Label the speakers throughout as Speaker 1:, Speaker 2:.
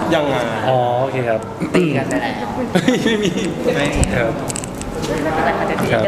Speaker 1: ยังไง
Speaker 2: อ๋อโอเคครับ
Speaker 3: ตีกันไปแล้ว
Speaker 2: ไม่มีไม่ครับครับ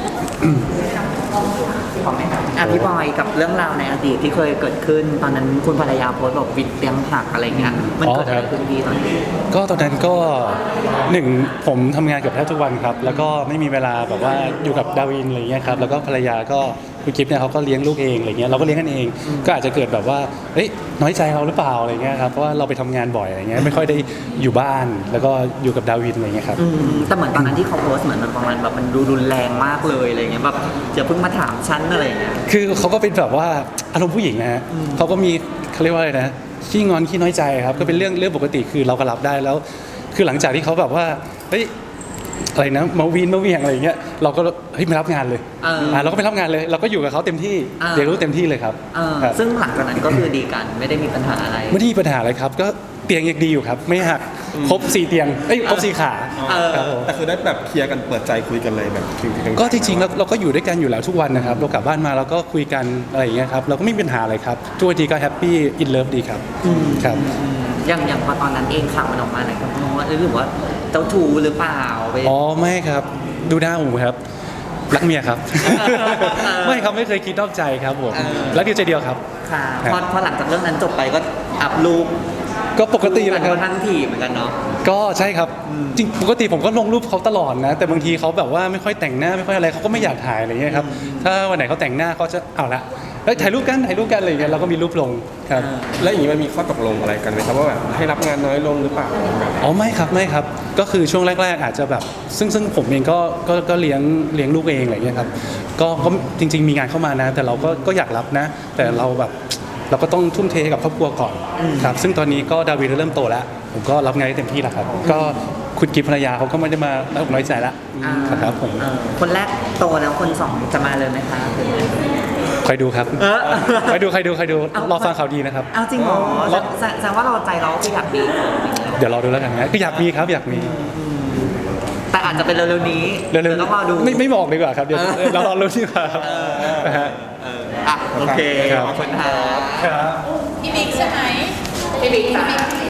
Speaker 3: พี่บอยกับเรื่องราวในอดีตที่เคยเกิดขึ้นตอนนั้นคุณภรรยาโพสต์บอกวิดเลี้ยงผักอะไรเงี้ยมันเกิดอะไรขึ้นดีตอนนี้
Speaker 2: ก็ตอนนั้นก็หนึ่งผมทำงานเกือบแทบทุกวันครับแล้วก็ไม่มีเวลาแบบว่าอยู่กับดาวินอะไรเงี้ยครับแล้วก็ภรรยาก็คุณกิฟต์เนี่ยเขาก็เลี้ยงลูกเองอะไรเงี้ยเราก็เลี้ยงกันเองก็อาจจะเกิดแบบว่าเฮ้ยน้อยใจเราหรือเปล่าอะไรเงี้ยครับเพราะว่าเราไปทำงานบ่อยอะไรเงี้ยไม่ค่อยได้อยู่บ้านแล้วก็อยู่กับดาวินอะไรเงี้ยครับ
Speaker 3: แต่เหมือนตอนนั้นที่เขาโพสต์เหมือนมันประมาณแบบมันดูรุนแรงมากเลยอะไรเงี้ยแบบจะเพิ่งมาถามฉันอะไรเงี้ย
Speaker 2: คือเขาก็เป็นแบบว่าอารมณ์ผู้หญิงนะฮะเขาก็มีเขาเรียกว่าอะไรนะขี้งอนขี้น้อยใจครับก็เป็นเรื่องปกติคือเราก็รับได้แล้วคือหลังจากที่เขาแบบว่าเฮ้ยอะไรนะมาวีนมาเวียงอะไรอย่างเงี้ยเราก็เฮ้ยไม่รับงานเลยเราก็ไม่รับงานเลยเราก็อยู่กับเขาเต็มที่เรียนรู้เต็มที่เลยครับ
Speaker 3: ซึ่งหลังจากนั้นก็คือดีกันไม่ได้มีปัญหาอะไร
Speaker 2: ไม่ได้มีปัญหาอะไรครับก็เตียงยังดีอยู่ครับไม่หักครบ4เตียงครบ4ขา
Speaker 1: แต่คือได้แบบเคลียร์กันเปิดใจคุยกันเลยแบบ
Speaker 2: ก็จริงๆแล้วเราก็อยู่ด้วยกันอยู่แล้วทุกวันนะครับเรากลับบ้านมาเราก็คุยกันอะไรอย่างเงี้ยครับเราก็ไม่มีปัญหาอะไรครับทุกวันทีก็แฮปปี้อินเลิฟดีครับครับ
Speaker 3: อย่างพอตอนนั้นเองข่าวมันออกมาไหนครับมองว่าหรือว่าเจ้าชู้หรือเปล่า
Speaker 2: อ๋อไม่ครับดูหน้าผมครับรักเมียครับไม่ครับไม่เคยคิดนอกใจครับผมรักเดียวใจเดียวครับ
Speaker 3: ค่ะพอหลังจากเรื่องนั้นจบไปก็อัพรูป
Speaker 2: ก็ปกติแหละครับ
Speaker 3: ทันทีเหมือนกันเนาะ
Speaker 2: ก็ใช่ครับจริงปกติผมก็ลงรูปเขาตลอดนะแต่บางทีเขาแบบว่าไม่ค่อยแต่งหน้าไม่ค่อยอะไรเขาก็ไม่อยากถ่ายอะไรเงี้ยครับถ้าวันไหนเขาแต่งหน้าเขาจะเอาละถ่ายรูปกันอะไรอย่างเงี้ยเราก็มีรูปลงครับ
Speaker 1: แล้วอย่างนี้มันมีข้อตกลงอะไรกันไหมครับว่าแบบให้รับงานน้อยลงหรือเปล่า
Speaker 2: อ๋อไม่ครับก็คือช่วงแรกๆอาจจะแบบซึ่งผมเองก็เลี้ยงลูกเองอะไรเงี้ยครับก็จริงๆมีงานเข้ามานะแต่เราก็อยากรับนะแต่เราแบบเราก็ต้องทุ่มเทให้กับครอบครัวก่อนครับซึ่งตอนนี้ก็ดาวิดเริ่มโตแล้วผมก็รับงานได้เต็มที่แล้วครับก็คุณกิฟต์ภรรยาเขาก็ไม่ได้มาน้อยใจแล้วครับผม
Speaker 3: คนแรกโตแล้วคนสองจะมาเลยไหมคะ
Speaker 2: ใครดูครับใครดูรอฟังข่าวดีนะครับ
Speaker 3: เอาจริงเหรอแสดงว่าเราใจเราคืออยากมี
Speaker 2: เดี๋ยวรอดูแล้วกันนะก็อยากมีครับอยากมี
Speaker 3: แต่อาจจะเป็นเร็วๆนี้
Speaker 2: เร็วๆ
Speaker 3: ต้องรอดู
Speaker 2: ไม่บอกดีกว่าครับเดี๋ยวเรารอรู้ดีกว่านะฮะ
Speaker 3: โอเคขอบคุณครับ
Speaker 2: พี่บิ๊กใช่ไหม
Speaker 3: พี่บิ๊ก